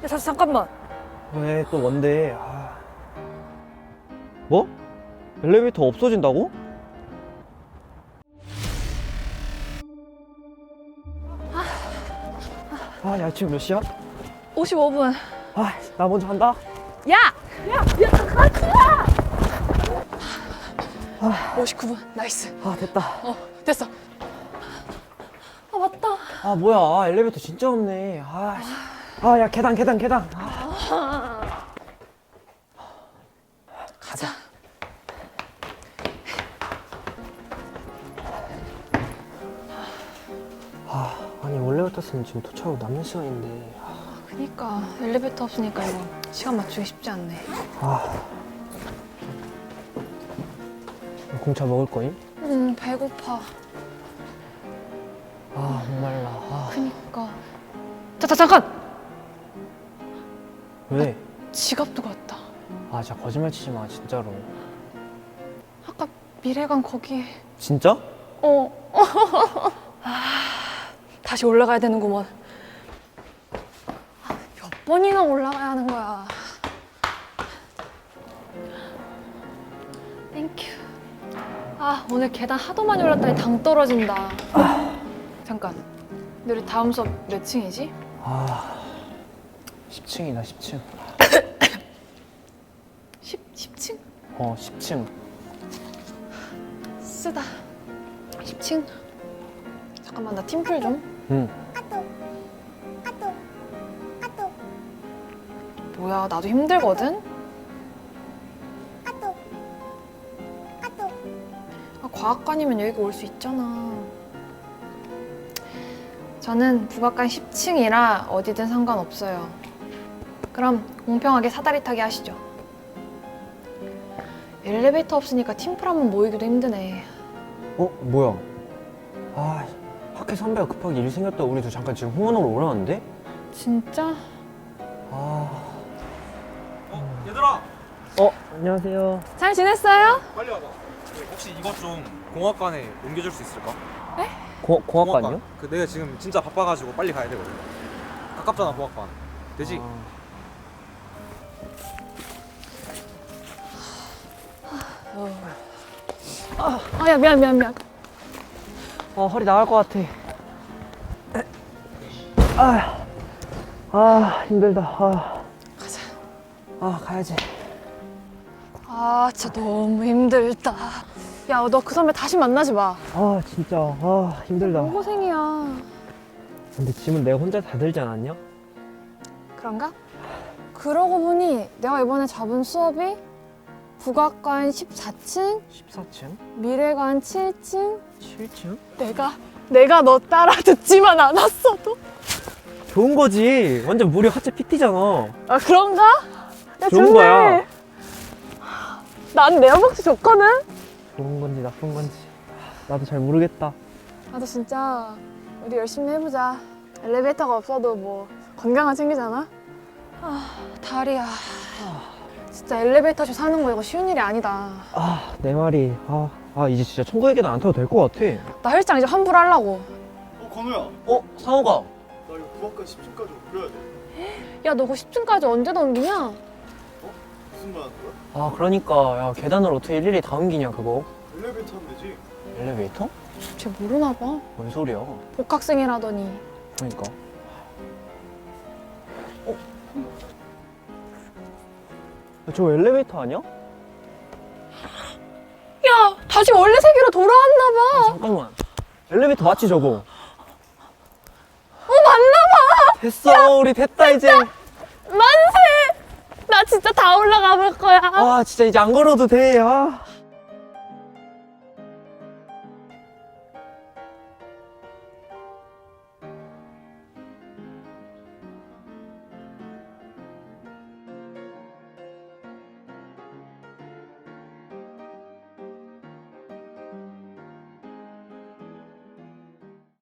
야, 잠깐만. 왜 또 뭔데? 뭐? 엘리베이터 없어진다고? 야, 지금 몇 시야? 55분. 나 먼저 간다. 야! 같이야! 59분. 나이스. 됐다. 됐어. 맞다. 뭐야. 엘리베이터 진짜 없네. 야, 계단. 가자. 아니, 원래 같았으면 지금 도착하고 남는 시간인데. 그니까 엘리베이터 없으니까 이거 시간 맞추기 쉽지 않네. 공차 먹을 거임? 배고파. 목말라. 그니까. 잠깐! 왜? 지갑 두고 왔다. 진짜 거짓말 치지 마, 진짜로. 아까 미래관 거기에. 진짜? 다시 올라가야 되는구먼. 몇 번이나 올라가야 하는 거야. 땡큐. 오늘 계단 하도 많이 올랐더니 당 떨어진다. 잠깐. 근데 우리 다음 수업 몇 층이지? 10층이다, 10층. 10층? 10층. 쓰다. 10층? 잠깐만, 나 팀플 좀. 뭐야, 나도 힘들거든? 과학관이면 여기 올 수 있잖아. 저는 북악관 10층이라 어디든 상관없어요. 그럼 공평하게 사다리 타기 하시죠. 엘리베이터 없으니까 팀플 한번 모이기도 힘드네. 뭐야? 학회 선배가 급하게 일 생겼다. 우리도 잠깐 지금 홍원으로 오라는데? 진짜? 얘들아! 안녕하세요. 잘 지냈어요? 빨리 와봐. 혹시 이것 좀 공학관에 옮겨줄 수 있을까? 공학관이요? 내가 지금 진짜 바빠가지고 빨리 가야 되거든. 가깝잖아, 공학관. 되지? 야, 미안. 허리 나갈 것 같아. 힘들다. 가자. 가야지. 진짜 너무 힘들다. 야, 너 그 선배 다시 만나지 마. 진짜. 힘들다. 너무 고생이야. 근데 짐은 내가 혼자 다 들지 않았냐? 그런가? 그러고 보니 내가 이번에 잡은 수업이 북악관 14층, 14층? 미래관 7층. 7층? 내가 너 따라 듣지만 않았어도. 좋은 거지. 완전 무료 하체 PT잖아. 그런가? 야, 좋은 좋네. 거야. 난 내 허벅지 좋거든? 좋은 건지 나쁜 건지 나도 잘 모르겠다. 나도 진짜 우리 열심히 해보자. 엘리베이터가 없어도 뭐 건강은 챙기잖아? 다리야. 진짜 엘리베이터쇼 사는 거 이거 쉬운 일이 아니다. 내 말이. 이제 진짜 천국의 계단 안 타도 될 것 같아. 나 헬스장 이제 환불하려고. 건우야, 상호가. 나 이거 부학관 10층까지 옮겨야 돼. 야, 너 그 10층까지 언제 넘기냐? 무슨 말 하는 거야? 그러니까 야, 계단을 어떻게 일일이 다 옮기냐 그거. 엘리베이터 하면 되지. 엘리베이터? 쟤 모르나 봐. 뭔 소리야. 복학생이라더니. 그러니까. 저 엘리베이터 아니야? 야, 다시 원래 세계로 돌아왔나 봐. 잠깐만. 엘리베이터 맞지 저거? 맞나 봐. 됐어. 우리 됐다 이제. 만세. 나 진짜 다 올라가 볼 거야. 진짜 이제 안 걸어도 돼.